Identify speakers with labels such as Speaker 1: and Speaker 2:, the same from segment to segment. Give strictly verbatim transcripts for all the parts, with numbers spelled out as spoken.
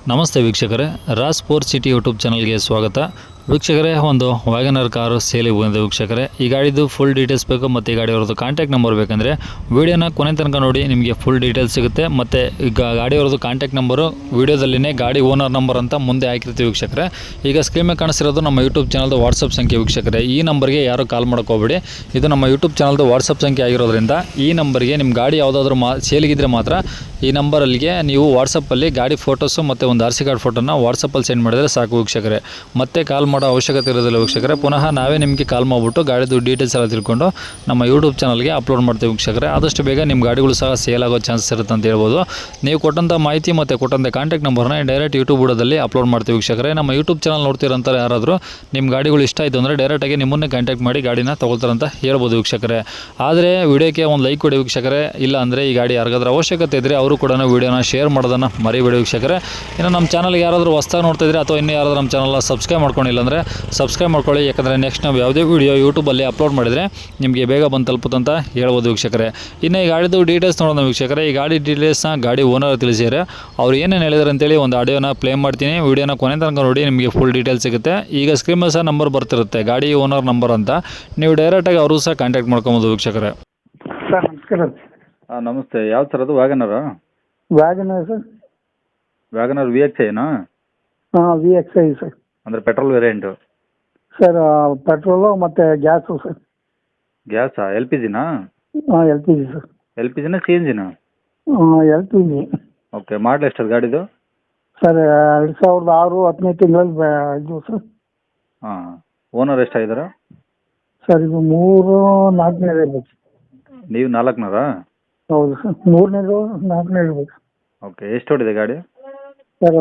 Speaker 1: ನಮಸ್ತೆ ವೀಕ್ಷಕರೇ, Raj sports city YouTube ಚಾನಲ್ಗೆ ಸ್ವಾಗತ. ವೀಕ್ಷಕರೇ, ಒಂದು ವ್ಯಾಗನರ್ ಕಾರು ಸೇಲಿಗೆ ಬಂದಿದೆ ವೀಕ್ಷಕರೇ. ಈ ಗಾಡಿದು ಫುಲ್ ಡೀಟೇಲ್ಸ್ ಬೇಕು ಮತ್ತು ಈ ಗಾಡಿ ಅವ್ರದ್ದು ಕಾಂಟ್ಯಾಕ್ಟ್ ನಂಬರ್ ಬೇಕಂದರೆ ವೀಡಿಯೋನ ಕೊನೆ ತನಕ ನೋಡಿ, ನಿಮಗೆ ಫುಲ್ ಡೀಟೇಲ್ಸ್ ಸಿಗುತ್ತೆ. ಮತ್ತು ಈಗ ಗಾಡಿ ಅವ್ರದ್ದು ಕಾಂಟ್ಯಾಕ್ಟ್ ನಂಬರು ವೀಡಿಯೋದಲ್ಲಿನೇ ಗಾಡಿ ಓನರ್ ನಂಬರ್ ಅಂತ ಮುಂದೆ ಹಾಕಿರ್ತೀವಿ ವೀಕ್ಷಕರೇ. ಈಗ ಸ್ಕ್ರೀನ್ ಮೇಲೆ ಕಾಣಿಸಿರೋದು ನಮ್ಮ ಯೂಟ್ಯೂಬ್ ಚಾನಲ್ದು ವಾಟ್ಸಪ್ ಸಂಖ್ಯೆ ವೀಕ್ಷಕರೇ. ಈ ನಂಬರ್ಗೆ ಯಾರು ಕಾಲ್ ಹೋಗಬೇಡಿ, ಇದು ನಮ್ಮ ಯೂಟ್ಯೂಬ್ ಚಾನಲ್ದು ವಾಟ್ಸಪ್ ಸಂಖ್ಯೆ ಆಗಿರೋದ್ರಿಂದ ಈ ನಂಬರ್ಗೆ ನಿಮ್ಮ ಗಾಡಿ ಯಾವುದಾದ್ರೂ ಮಾ ಸೇಲಿಗಿದ್ರೆ ಮಾತ್ರ ಈ ನಂಬರಲ್ಲಿಗೆ ನೀವು ವಾಟ್ಸಪ್ಪಲ್ಲಿ ಗಾಡಿ ಫೋಟೋಸು ಮತ್ತು ಒಂದು ಆರ್ ಸಿ ಕಾರ್ಡ್ ಫೋಟೋನ ವಾಟ್ಸಪ್ಪಲ್ಲಿ ಸೆಂಡ್ ಮಾಡಿದರೆ ಸಾಕು ವೀಕ್ಷಕರೇ. ಮತ್ತೆ ಕಾಲ್ ಮಾಡೋ ಅವಶ್ಯಕತೆ ಇರೋದಿಲ್ಲ ವೀಕ್ಷಕರೇ. ಪುನಃ ನಾವೇ ನಿಮಗೆ ಕಾಲ್ ಮಾಡಿಬಿಟ್ಟು ಗಾಡಿದು ಡೀಟೇಲ್ಸ್ ಎಲ್ಲ ತಿಳ್ಕೊಂಡು ನಮ್ಮ ಯೂಟ್ಯೂಬ್ ಚಾನಲ್ಗೆ ಅಪ್ಲೋಡ್ ಮಾಡ್ತೀವಿ ವೀಕ್ಷಕರೇ. ಆದಷ್ಟು ಬೇಗ ನಿಮ್ಮ ಗಾಡಿಗಳು ಸಹ ಸೇಲ್ ಆಗೋ ಚಾನ್ಸಸ್ ಇರುತ್ತೆ ಅಂತ ಹೇಳ್ಬೋದು. ನೀವು ಕೊಟ್ಟಂಥ ಮಾಹಿತಿ ಮತ್ತು ಕೊಟ್ಟಂಥ ಕಾಂಟ್ಯಾಕ್ಟ್ ನಂಬರ್ನ ಡೈರೆಕ್ಟ್ ಯೂಟ್ಯೂಬ್ ಬುಡದಲ್ಲಿ ಅಪ್ಲೋಡ್ ಮಾಡ್ತೀವಿ ವೀಕ್ಷಕರೇ. ನಮ್ಮ ಯೂಟ್ಯೂಬ್ ಚಾನಲ್ ನೋಡ್ತಿರೋಂಥ ಯಾರಾದರೂ ನಿಮ್ಮ ಗಾಡಿಗಳು ಇಷ್ಟ ಆಯಿತು ಅಂದರೆ ಡೈರೆಕ್ಟಾಗಿ ನಿಮ್ಮನ್ನೇ ಕಾಂಟ್ಯಾಕ್ಟ್ ಮಾಡಿ ಗಾಡಿನ ತೊಗೊಳ್ತಾರಂತ ಹೇಳ್ಬೋದು ವೀಕ್ಷಕರೇ. ಆದರೆ ವಿಡಿಯೋಕ್ಕೆ ಒಂದು ಲೈಕ್ ಕೊಡಿ ವೀಕ್ಷಕರೇ. ಇಲ್ಲ ಅಂದರೆ ಈ ಗಾಡಿ ಯಾರಿಗಾದ್ರೂ ಅವಶ್ಯಕತೆ ಇದ್ದರೆ ಅವರು ಕೂಡ ವೀಡಿಯೋನ ಶೇರ್ ಮಾಡೋದನ್ನು ಮರಿಬೇಡಿ ವೀಕ್ಷಕರೇ. ಇನ್ನು ನಮ್ಮ ಚಾನಲ್ಗೆ ಯಾರಾದರೂ ಹೊಸ್ದಾಗಿ ನೋಡ್ತಿದ್ರೆ ಅಥವಾ ಇನ್ನೂ ಯಾರಾದರೂ ನಮ್ಮ ಚಾನಲ್ನ ಸಬ್ಸ್ಕ್ರೈಬ್ ಮಾಡ್ಕೊಂಡಿಲ್ಲ ಅಂದರೆ ಸಬ್ಸ್ಕ್ರೈಬ್ ಮಾಡ್ಕೊಳ್ಳಿ. ಯಾಕಂದರೆ ನೆಕ್ಸ್ಟ್ ನಾವು ಯಾವುದೇ ವೀಡಿಯೋ ಯೂಟ್ಯೂಬಲ್ಲಿ ಅಪ್ಲೋಡ್ ಮಾಡಿದರೆ ನಿಮಗೆ ಬೇಗ ಬಂದು ತಲುಪುತ್ತಂತ ಹೇಳ್ಬೋದು ವೀಕ್ಷಕರೇ. ಇನ್ನು ಈ ಗಾಡಿದು ಡೀಟೇಲ್ಸ್ ನೋಡೋಣ ವೀಕ್ಷಕರೇ. ಈ ಗಾಡಿ ಡೀಟೇಲ್ಸ್ನ ಗಾಡಿ ಓನರ್ ತಿಳಿಸಿದ್ದಾರೆ. ಅವ್ರು ಏನೇನು ಹೇಳಿದಾರೆ ಅಂತೇಳಿ ಒಂದು ಆಡಿಯೋನ ಪ್ಲೇ ಮಾಡ್ತೀನಿ. ವೀಡಿಯೋನ ಕೊನೆ ತನಕ ನೋಡಿ, ನಿಮಗೆ ಫುಲ್ ಡೀಟೇಲ್ಸ್ ಸಿಗುತ್ತೆ. ಈಗ ಸ್ಕ್ರೀನ್ ಮೇಲೆ ಸಹ ನಂಬರ್ ಬರ್ತಿರುತ್ತೆ, ಗಾಡಿ ಓನರ್ ನಂಬರ್ ಅಂತ. ನೀವು ಡೈರೆಕ್ಟಾಗಿ ಅವರು ಸಹ ಕಾಂಟ್ಯಾಕ್ಟ್ ಮಾಡ್ಕೊಬೋದು ವೀಕ್ಷಕರೇ.
Speaker 2: ಸರ್ ನಮಸ್ಕಾರ.
Speaker 3: ಹಾಂ ನಮಸ್ತೆ. ಯಾವ್ದು ಸರ್ ಅದು? ವ್ಯಾಗನರಾ?
Speaker 2: WagonR sir.
Speaker 3: WagonR V X ಐನಾ?
Speaker 2: ಹಾಂ, ವಿ ಎಕ್ಸ್ ಐ ಸರ್.
Speaker 3: ಅಂದರೆ ಪೆಟ್ರೋಲ್ ವೇರಿಯಂಟು
Speaker 2: ಸರ್ ಪೆಟ್ರೋಲು ಮತ್ತು ಗ್ಯಾಸು ಸರ್.
Speaker 3: ಗ್ಯಾಸಾ? ಎಲ್ ಪಿ ಜಿನಾ?
Speaker 2: ಹಾಂ, L P G sir.
Speaker 3: L P ಜಿನಾ ಸಿ ಎನ್ ಜಿನಾ?
Speaker 2: ಹಾಂ, L P G.
Speaker 3: Okay. Model ಎಷ್ಟು ಅದು ಗಾಡಿದು?
Speaker 2: ಸರ್ ಎರಡು ಸಾವಿರದ ಆರು ಹತ್ತನೇ ತಿಂಗಳಲ್ಲಿ ಇದು ಸರ್.
Speaker 3: ಹಾಂ. ಓನರ್ ಎಷ್ಟಾಗಿದ್ದಾರೆ?
Speaker 2: ಸರ್ ಇದು ಮೂರು ನಾಲ್ಕನೇದು ಇರ್ಬೇಕು.
Speaker 3: ನೀವು ನಾಲ್ಕುನೂರಾ?
Speaker 2: ಹೌದು ಸರ್, ಮೂರನೇದು ನಾಲ್ಕನೇ ಇರ್ಬೇಕು.
Speaker 3: ಓಕೆ. ಎಷ್ಟು ಹೊಡಿದೆ ಗಾಡಿ?
Speaker 2: ಸರ್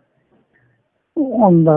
Speaker 2: ಒಂದು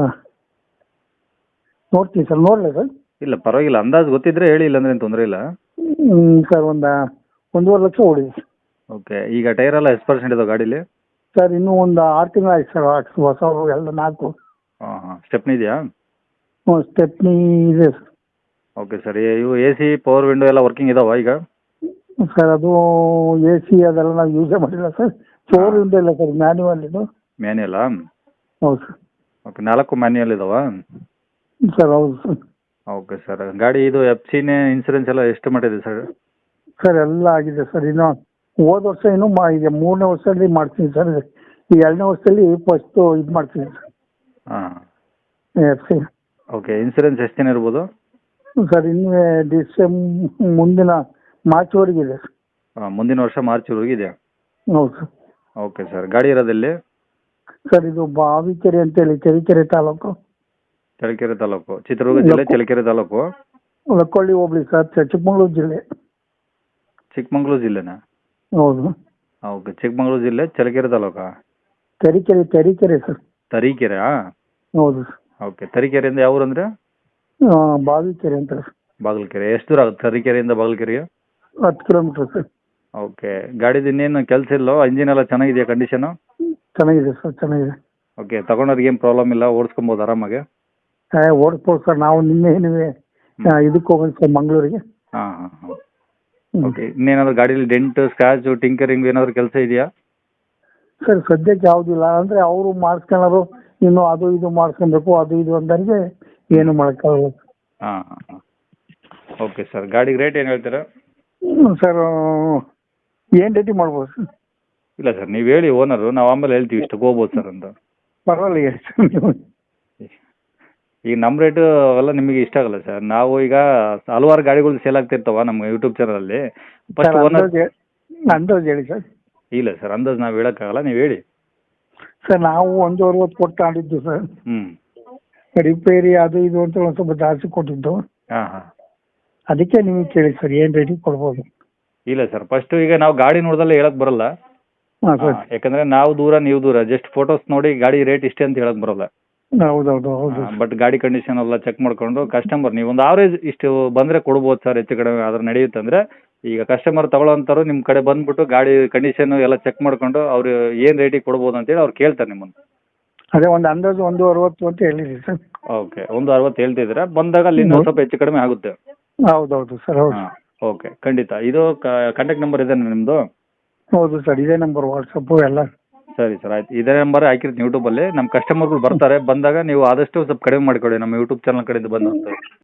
Speaker 2: ನೋಡ್ತೀನಿ ಸರ್. ನೋಡಲೇ ಸರ್?
Speaker 3: ಇಲ್ಲ ಪರವಾಗಿಲ್ಲ, ಅಂದಾಜು ಗೊತ್ತಿದ್ರೆ ಹೇಳಿ, ಇಲ್ಲಾಂದ್ರೆ ಏನು ತೊಂದರೆ ಇಲ್ಲ.
Speaker 2: ಹ್ಞೂ ಸರ್, ಒಂದು ಒಂದೂವರೆ ಲಕ್ಷ ಹೊಡಿದೆ.
Speaker 3: ಓಕೆ. ಈಗ ಟೈರ್ ಎಲ್ಲ ಎಷ್ಟು ಪರ್ಸೆಂಟ್ ಇದಾವೆ ಗಾಡೀಲಿ?
Speaker 2: ಸರ್ ಇನ್ನೂ ಒಂದು ಆರು ತಿಂಗಳು ಆಯ್ತು ಸರ್. ಹೊಸವು ಎಲ್ಲ ನಾಲ್ಕು.
Speaker 3: ಹಾಂ ಹಾಂ. ಸ್ಟೆಪ್ನಿ ಇದೆಯಾ?
Speaker 2: ಹ್ಞೂ, ಸ್ಟೆಪ್ನಿ ಇದೆ ಸರ್.
Speaker 3: Okay sir. ಇವು ಎ ಸಿ ಪವರ್ ವಿಂಡೋ ಎಲ್ಲ ವರ್ಕಿಂಗ್ ಇದಾವಾ ಈಗ?
Speaker 2: ಸರ್ ಅದು ಎ ಸಿ ಅದೆಲ್ಲ ನಾವು ಯೂಸೇ ಮಾಡಿಲ್ಲ ಸರ್. ಫೋರ್ ವಿಂಡೋ ಇಲ್ಲ ಸರ್, ಮ್ಯಾನ್ಯುವಲ್ ಇದು.
Speaker 3: ಮ್ಯಾನ್ಯಲಾ?
Speaker 2: ಹೌದು ಸರ್.
Speaker 3: ಓಕೆ. ನಾಲ್ಕು ಮ್ಯಾನ್ಯಲ್ ಇದಾವಾ?
Speaker 2: ಸರ್ ಹೌದು ಸರ್.
Speaker 3: Okay sir. ಗಾಡಿ ಇದು ಎಫ್ ಸಿನೇ ಇನ್ಸೂರೆನ್ಸ್ ಎಲ್ಲ ಎಷ್ಟು ಮಾಡಿದೆ ಸರ್?
Speaker 2: ಸರ್ ಎಲ್ಲ ಆಗಿದೆ ಸರ್. ಇನ್ನು ಹೋದ ವರ್ಷ ಇನ್ನೂ ಮಾ ಇದೆ ಮೂರನೇ ವರ್ಷದಲ್ಲಿ ಮಾಡ್ತೀನಿ ಸರ್. ಈ ಎರಡನೇ ವರ್ಷದಲ್ಲಿ ಫಸ್ಟು ಇದು ಮಾಡ್ತೀನಿ ಸರ್,
Speaker 3: ಹಾಂ.
Speaker 2: F C.
Speaker 3: ಓಕೆ. ಇನ್ಸೂರೆನ್ಸ್ ಎಷ್ಟು ದಿನ ಇರ್ಬೋದು?
Speaker 2: ಸರ್ ಇನ್ನು ಡಿಸೆಂಬ್ ಮುಂದಿನ ಮಾರ್ಚ್ವರೆಗೆ ಇದೆ ಸರ್.
Speaker 3: ಹಾಂ, ಮುಂದಿನ ವರ್ಷ ಮಾರ್ಚ್ವರೆಗೆ ಇದೆ.
Speaker 2: ಹೌದು ಸರ್.
Speaker 3: Okay sir. ಗಾಡಿ ಇರೋದಲ್ಲಿ?
Speaker 2: ಸರ್ ಇದು ಬಾವಿಕೆರೆ ಅಂತೇಳಿ, ಚಳ್ಳಕೆರೆ ತಾಲೂಕು.
Speaker 3: ಚಳ್ಳಕೆರೆ ತಾಲೂಕು, ಚಿತ್ರದುರ್ಗ ಜಿಲ್ಲೆ, ಚಳ್ಳಕೆರೆ ತಾಲೂಕು.
Speaker 2: ಲಕ್ಕೊಳ್ಳಿ ಹೋಬಳಿ ಸರ್, ಚಿಕ್ಕಮಗಳೂರು ಜಿಲ್ಲೆ.
Speaker 3: ಚಿಕ್ಕಮಗಳೂರು ಜಿಲ್ಲೆನಾ?
Speaker 2: ಹೌದು.
Speaker 3: ಓಕೆ. ಚಿಕ್ಕಮಗಳೂರು ಜಿಲ್ಲೆ, ಚಳ್ಳಕೆರೆ ತಾಲೂಕಾ?
Speaker 2: ತರೀಕೆರೆ ತರೀಕೆರೆ ಸರ್.
Speaker 3: ತರೀಕೆರೆ?
Speaker 2: ಹೌದು ಸರ್.
Speaker 3: ಓಕೆ. ತರೀಕೆರೆಯಿಂದ ಯಾವ ಊರು ಅಂದರೆ?
Speaker 2: ಬಾವಿಕೆರೆ ಅಂತ ಸರ್.
Speaker 3: ಬಾಗಲಕೆರೆ. ಎಷ್ಟು ದೂರ ಆಗುತ್ತೆ ತರೀಕೆರೆಯಿಂದ ಬಾಗಲಕೆರೆಗೆ?
Speaker 2: ಹತ್ತು ಕಿಲೋಮೀಟ್ರ್ ಸರ್.
Speaker 3: ಓಕೆ. ಗಾಡಿದು ಇನ್ನೇನು ಕೆಲಸ ಇಲ್ಲೋ? ಇಂಜಿನ್ ಎಲ್ಲ ಚೆನ್ನಾಗಿದೆಯಾ ಕಂಡೀಷನು?
Speaker 2: ಚೆನ್ನಾಗಿದೆ ಸರ್, ಚೆನ್ನಾಗಿದೆ.
Speaker 3: ಓಕೆ. ತಗೊಂಡವ್ರಿಗೆ ಏನು ಪ್ರಾಬ್ಲಮ್ ಇಲ್ಲ, ಓಡಿಸ್ಕೊಬೋದು ಆರಾಮಾಗಿ?
Speaker 2: ಹಾಂ, ಓಡಿಸ್ಬೋದು ಸರ್. ನಾವು ನಿನ್ನೆ ನೀವೇ ಇದಕ್ಕೆ ಹೋಗೋದು ಸರ್, ಮಂಗಳೂರಿಗೆ.
Speaker 3: ಹಾಂ ಹಾಂ ಹಾಂ. ಓಕೆ. ಇನ್ನೇನಾದ್ರು ಗಾಡೀಲಿ ಡೆಂಟ್, ಸ್ಕ್ರಾಚು, ಟಿಂಕರಿಂಗ್ ಏನಾದರೂ ಕೆಲಸ ಇದೆಯಾ?
Speaker 2: ಸರ್ ಸದ್ಯಕ್ಕೆ ಯಾವುದಿಲ್ಲ. ಅಂದರೆ ಅವರು ಮಾಡಿಸ್ಕೊಳ್ಳೋರು ಇನ್ನು ಅದು ಇದು ಮಾಡಿಸ್ಕೊಬೇಕು, ಅದು ಇದು ಅಂದರಿಗೆ ಏನು ಮಾಡೋಕ್ಕಾಗಲ್ಲ.
Speaker 3: ಹಾಂ ಹಾಂ ಹಾಂ. Okay sir. ಗಾಡಿಗೆ ರೇಟ್ ಏನು ಹೇಳ್ತೀರಾ?
Speaker 2: ಸರ್ ಏನು ರೇಟಿ ಮಾಡ್ಬೋದು ಸರ್?
Speaker 3: ಇಲ್ಲ ಸರ್, ನೀವು ಹೇಳಿ ಓನರು, ನಾವು ಆಮೇಲೆ ಹೇಳ್ತೀವಿ ಇಷ್ಟಕ್ಕೆ ಹೋಗ್ಬೋದು ಸರ್ ಅಂತ.
Speaker 2: ಪರವಾಗಿಲ್ಲ ಹೇಳಿ ಸರ್ ನೀವು.
Speaker 3: ಈಗ ನಮ್ಮ ರೇಟು ಅವೆಲ್ಲ ನಿಮಗೆ ಇಷ್ಟ ಆಗಲ್ಲ ಸರ್. ನಾವು ಈಗ ಹಲವಾರು ಗಾಡಿಗಳು ಸೇಲ್ ಆಗ್ತಿರ್ತಾವ ನಮ್ಮ ಯೂಟ್ಯೂಬ್ ಚಾನಲಲ್ಲಿ. ಫಸ್ಟ್ ಓನರ್
Speaker 2: ಅಂದಾಜು ಹೇಳಿ ಸರ್.
Speaker 3: ಇಲ್ಲ ಸರ್, ಅಂದಾಜು ನಾವು ಹೇಳೋಕ್ಕಾಗಲ್ಲ, ನೀವು ಹೇಳಿ.
Speaker 2: ಸರ್ ನಾವು ಒಂದು ಅರವತ್ತು ಕೊಟ್ಟು ತಗೊಂಡಿದ್ದು ಸರ್.
Speaker 3: ಹ್ಞೂ.
Speaker 2: ರಿಪೇರಿ ಅದು ಇದು ಅಂತ ಒಂದು ಸ್ವಲ್ಪ ಜಾಸ್ತಿ ಕೊಟ್ಟಿದ್ದು.
Speaker 3: ಹಾಂ ಹಾಂ.
Speaker 2: ಅದಕ್ಕೆ ನಿಮಗೆ ಕೇಳಿ ಸರ್, ಏನು ರೇಟಿಗೆ ಕೊಡ್ಬೋದು?
Speaker 3: ಇಲ್ಲ ಸರ್, ಫಸ್ಟು ಈಗ ನಾವು ಗಾಡಿ ನೋಡ್ದಲ್ಲೇ ಹೇಳಕ್ಕೆ ಬರಲ್ಲ.
Speaker 2: ಹಾಂ ಸರ್.
Speaker 3: ಯಾಕಂದರೆ ನಾವು ದೂರ ನೀವು ದೂರ, ಜಸ್ಟ್ ಫೋಟೋಸ್ ನೋಡಿ ಗಾಡಿ ರೇಟ್ ಇಷ್ಟೇ ಅಂತ ಹೇಳಕ್ಕೆ ಬರೋಲ್ಲ.
Speaker 2: ಹೌದೌದು ಹೌದು.
Speaker 3: ಬಟ್ ಗಾಡಿ ಕಂಡೀಷನ್ ಎಲ್ಲ ಚೆಕ್ ಮಾಡ್ಕೊಂಡು ಕಸ್ಟಮರ್ ನೀವು ಒಂದು ಆವ್ರೇಜ್ ಇಷ್ಟು ಬಂದರೆ ಕೊಡ್ಬೋದು ಸರ್, ಹೆಚ್ಚು ಕಡಿಮೆ ಆದ್ರೆ ನಡೆಯುತ್ತೆ. ಅಂದರೆ ಈಗ ಕಸ್ಟಮರ್ ತಗೊಳ್ಳೋಂಥವ್ರು ನಿಮ್ಮ ಕಡೆ ಬಂದುಬಿಟ್ಟು ಗಾಡಿ ಕಂಡೀಷನು ಎಲ್ಲ ಚೆಕ್ ಮಾಡ್ಕೊಂಡು ಅವ್ರು ಏನು ರೇಟಿಗೆ ಕೊಡ್ಬೋದು ಅಂತೇಳಿ ಅವ್ರು ಕೇಳ್ತಾರೆ ನಿಮ್ಮನ್ನು.
Speaker 2: ಅದೇ ಒಂದು ಅಂದಾಜು ಒಂದು ಅರವತ್ತು ಅಂತ ಹೇಳಿರಿ ಸರ್.
Speaker 3: ಓಕೆ. ಒಂದು ಅರವತ್ತು ಹೇಳ್ತಿದ್ದೀರಾ, ಬಂದಾಗ ಅಲ್ಲಿ ಇನ್ನೂ ಸ್ವಲ್ಪ ಹೆಚ್ಚು ಕಡಿಮೆ ಆಗುತ್ತೆ.
Speaker 2: ಹೌದೌದು ಸರ್. ಹೌದು.
Speaker 3: ಹಾಂ. ಓಕೆ. ಖಂಡಿತ. ಇದು ಕಾಂಟ್ಯಾಕ್ಟ್ ನಂಬರ್ ಇದೆ ನಿಮ್ಮದು?
Speaker 2: ಹೌದು ಸರ್, ಇದೇ ನಂಬರ್ ವಾಟ್ಸಪ್ಪು ಎಲ್ಲ.
Speaker 3: ಸರಿ ಸರ್ ಆಯ್ತು ಇದೇ ನಂಬರ್ ಹಾಕಿರ್ತೀನಿ ಯೂಟ್ಯೂಬಲ್ಲಿ ನಮ್ಮ ಕಸ್ಟಮರ್ಗಳು ಬರ್ತಾರೆ ಬಂದಾಗ ನೀವು ಆದಷ್ಟು ಸ್ವಲ್ಪ ಕಡಿಮೆ ಮಾಡಿಕೊಡಿ ನಮ್ಮ ಯೂಟ್ಯೂಬ್ ಚಾನಲ್ ಕಡೆಯಿಂದ ಬಂದು ಅಂತ